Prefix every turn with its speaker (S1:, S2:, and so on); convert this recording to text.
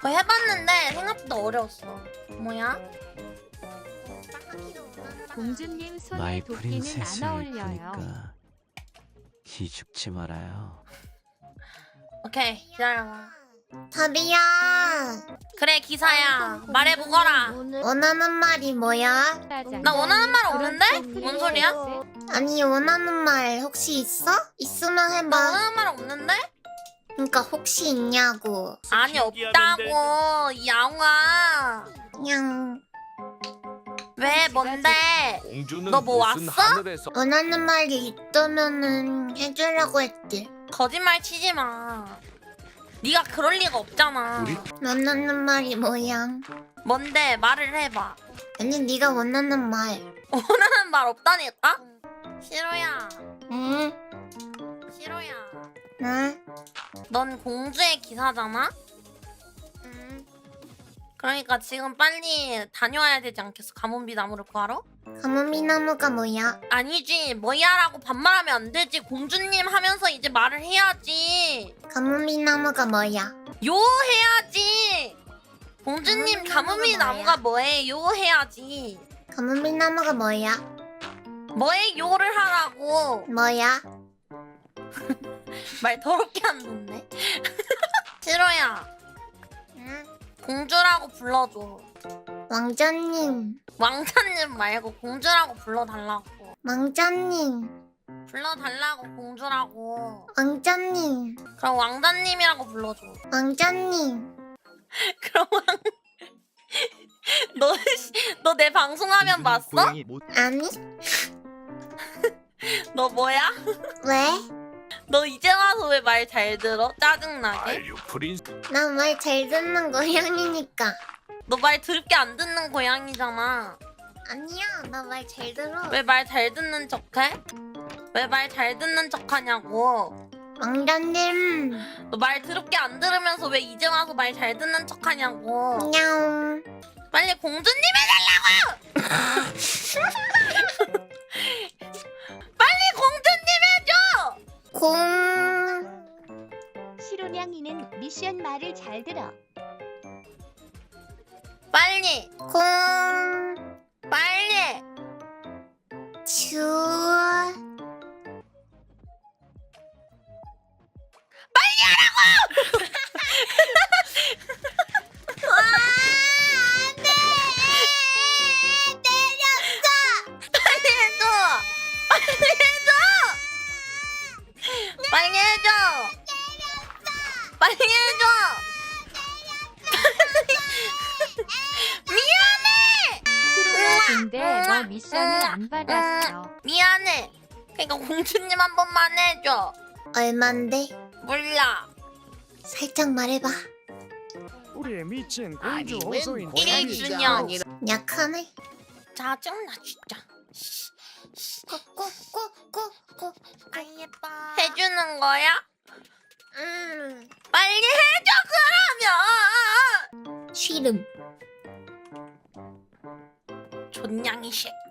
S1: 그거 해봤는데 생각보다 어려웠어. 뭐야?
S2: 공주님 손에
S3: 마이
S2: 도끼는
S3: 프린세스
S2: 안 어울려요.
S3: 그러니까 기죽지 말아요.
S1: 오케이 기다려봐.
S4: 다비야,
S1: 그래 기사야 말해보거라.
S4: 원하는 말이 뭐야?
S1: 나 원하는 말 없는데? 뭔 소리야?
S4: 아니, 원하는 말 혹시 있어? 있으면
S1: 나
S4: 해봐.
S1: 원하는 말 없는데?
S4: 그러니까 혹시 있냐고.
S1: 아니 없다고 이 양아.
S4: 그냥
S1: 왜 뭔데? 너 뭐 왔어?
S4: 원하는 말이 있다면은 해주려고 했지.
S1: 거짓말 치지 마. 네가 그럴 리가 없잖아.
S4: 원하는 말이 뭐야?
S1: 뭔데 말을 해봐.
S4: 아니, 네가 원하는 말.
S1: 원하는 말 없다니까? 시로야
S4: 응?
S1: 시로야
S4: 응?
S1: 넌 공주의 기사잖아?
S4: 응?
S1: 그러니까 지금 빨리 다녀와야 되지 않겠어? 가뭄비 나무를 구하러?
S4: 가뭄이나무가 뭐야?
S1: 아니지 뭐야라고 반말하면 안 되지. 공주님 하면서 이제 말을 해야지.
S4: 가뭄이나무가 뭐야?
S1: 요 해야지. 공주님
S4: 가뭄이
S1: 가뭄비
S4: 나무가
S1: 나무가 뭐해? 요 해야지.
S4: 가뭄이나무가 뭐야?
S1: 뭐해 요를 하라고.
S4: 뭐야?
S1: 말 더럽게 안 듣네. 시로야
S4: 응?
S1: 공주라고 불러줘.
S4: 왕자님,
S1: 왕자님 말고 공주라고 불러달라고.
S4: 왕자님,
S1: 불러달라고 공주라고.
S4: 왕자님,
S1: 그럼 왕자님이라고 불러줘.
S4: 왕자님.
S1: 그럼 너 내 방송하면 봤어?
S4: 아니?
S1: 너 뭐야?
S4: 왜?
S1: 너 이제 와서 왜 말 잘 들어? 짜증나게?
S4: 나 말 잘 듣는 고양이니까.
S1: 너 말 들게 안 듣는 고양이잖아.
S4: 아니야, 나 말 잘 들어.
S1: 왜 말 잘 듣는 척해? 왜 말 잘 듣는 척하냐고.
S4: 왕자님,
S1: 너 말 더럽게 안 들으면서 왜 이제 와서 말 잘 듣는 척하냐고.
S4: 냥.
S1: 빨리 공주님 해달라고! 빨리 공주님 해줘!
S4: 공.
S2: 시로냥이는 미션 말을 잘 들어.
S1: 빨리
S4: 공.
S1: 빨리
S4: 주. 와, 안 돼! 때렸어!
S1: 빨리 해줘! 빨리 해줘! 빨리 해줘! 미안해!
S2: 시로야 근데 너 미션을 안 받았어.
S1: 미안해. 그러니까 공주님 한 번만 해줘.
S4: 얼만데?
S1: 몰라.
S4: 살짝 말해봐.
S5: 우리의 미친 공주 호소인
S1: 1주년.
S4: 약하네.
S1: 짜증나 진짜.
S4: 꼬꼬꼬꼬꼬.
S1: 아 예뻐. 해주는 거야? 빨리 해줘 그러면.
S4: 쉬름.
S1: 존냥이 새끼.